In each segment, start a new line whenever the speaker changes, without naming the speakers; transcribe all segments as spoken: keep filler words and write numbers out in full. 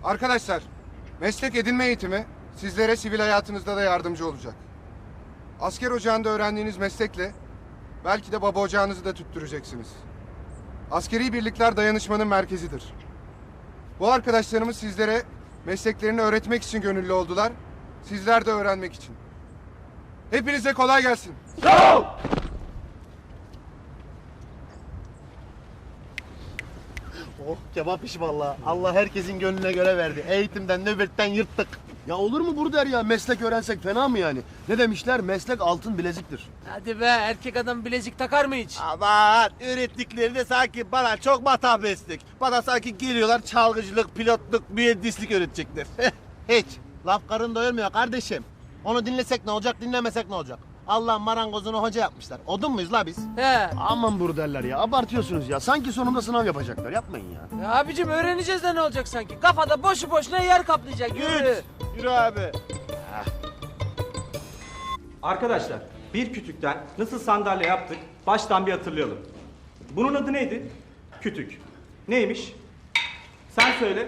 Arkadaşlar, meslek edinme eğitimi sizlere sivil hayatınızda da yardımcı olacak. Asker ocağında öğrendiğiniz meslekle belki de baba ocağınızı da tüttüreceksiniz. Askeri birlikler dayanışmanın merkezidir. Bu arkadaşlarımız sizlere mesleklerini öğretmek için gönüllü oldular. Sizler de öğrenmek için. Hepinize kolay gelsin.
Sağ ol.
Oh kebap işi vallahi. Allah herkesin gönlüne göre verdi. Eğitimden, nöbetten yırttık.
Ya olur mu Burder ya? Meslek öğrensek fena mı yani? Ne demişler? Meslek altın bileziktir.
Hadi be, erkek adam bilezik takar mı hiç?
Aman öğrettikleri de sanki bana çok matah meslek. Bana sanki geliyorlar çalgıcılık, pilotluk, mühendislik öğretecekler. Hiç. Laf karın doyurmuyor kardeşim. Onu dinlesek ne olacak, dinlemesek ne olacak? Allah'ın marangozunu hoca yapmışlar. Odun muyuz la biz?
He.
Aman Burderler ya. Abartıyorsunuz ya. Sanki sonunda sınav yapacaklar. Yapmayın ya.
Ya abicim öğreneceğiz de ne olacak sanki? Kafada boşu boşuna yer kaplayacak. Yürü.
Yürü abi.
Arkadaşlar, bir kütükten nasıl sandalye yaptık baştan bir hatırlayalım. Bunun adı neydi? Kütük. Neymiş? Sen söyle.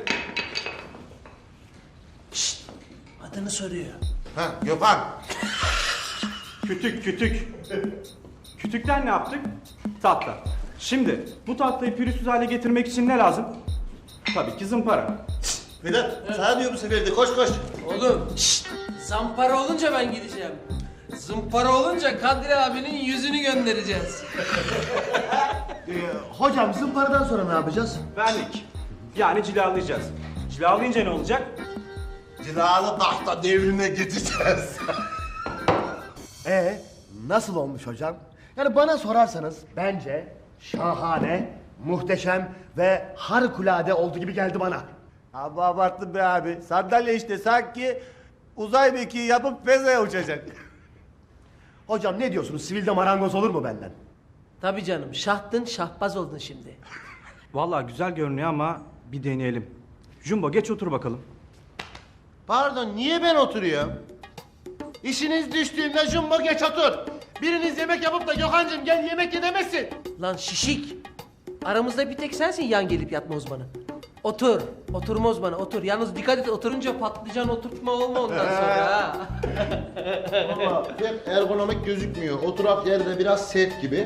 Adını soruyor.
Ha Gökhan.
Kütük, kütük. Kütükten ne yaptık? Tahta. Şimdi bu tahtayı pürüzsüz hale getirmek için ne lazım? Tabii ki zımpara.
Vedat sana diyor bu sefer de koş koş.
Oğlum şşt, zampara olunca ben gideceğim. Zımpara olunca Kadri abinin yüzünü göndereceğiz.
Ee, hocam zımparadan sonra ne yapacağız?
Vernik. Yani cilalayacağız. Cilalayınca ne olacak?
Cilalı tahta devrine geçeceğiz.
Ee, nasıl olmuş hocam? Yani bana sorarsanız bence şahane, muhteşem ve harikulade oldu gibi geldi bana.
Abi abarttın be abi. Sandalye işte sanki uzay mekiği yapıp fezaya uçacak.
Hocam ne diyorsunuz? Sivilde marangoz olur mu benden?
Tabii canım, şahtın şahbaz oldun şimdi.
Vallahi güzel görünüyor ama bir deneyelim. Jumbo geç otur bakalım.
Pardon niye ben oturuyorum? İşiniz düştüğünde jumbo geç otur. Biriniz yemek yapıp da Gökhan'cığım gel yemek ye demezsin.
Lan şişik. Aramızda bir tek sensin yan gelip yatma uzmanı. Otur. Oturma uzmanı otur. Yalnız dikkat et, oturunca patlıcan oturtma olma ondan sonra ha.
Valla hep ergonomik gözükmüyor. Oturak yerde biraz sert gibi.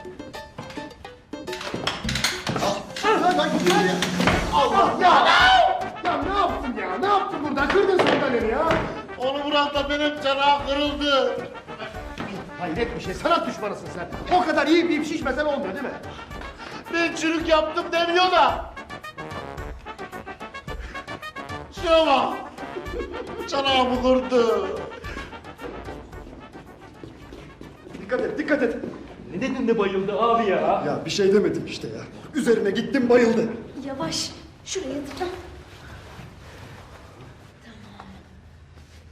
Allah ya! Ya ne yaptın ya? Ne yaptın burada? Kırdın sandalyeni ya.
Onu vuran da benim çanağı kırıldı.
Hayret bir şey. Sanat düşmanısın sen. O kadar iyi bir şişmesen olmuyor değil mi?
Ben çürük yaptım demiyor da. Şuna bak. Çanağımı kırdı.
Dikkat et, dikkat et.
Ne dedin de bayıldı abi ya?
Ya bir şey demedim işte ya. Üzerine gittim bayıldı.
Yavaş. Şuraya tıkla.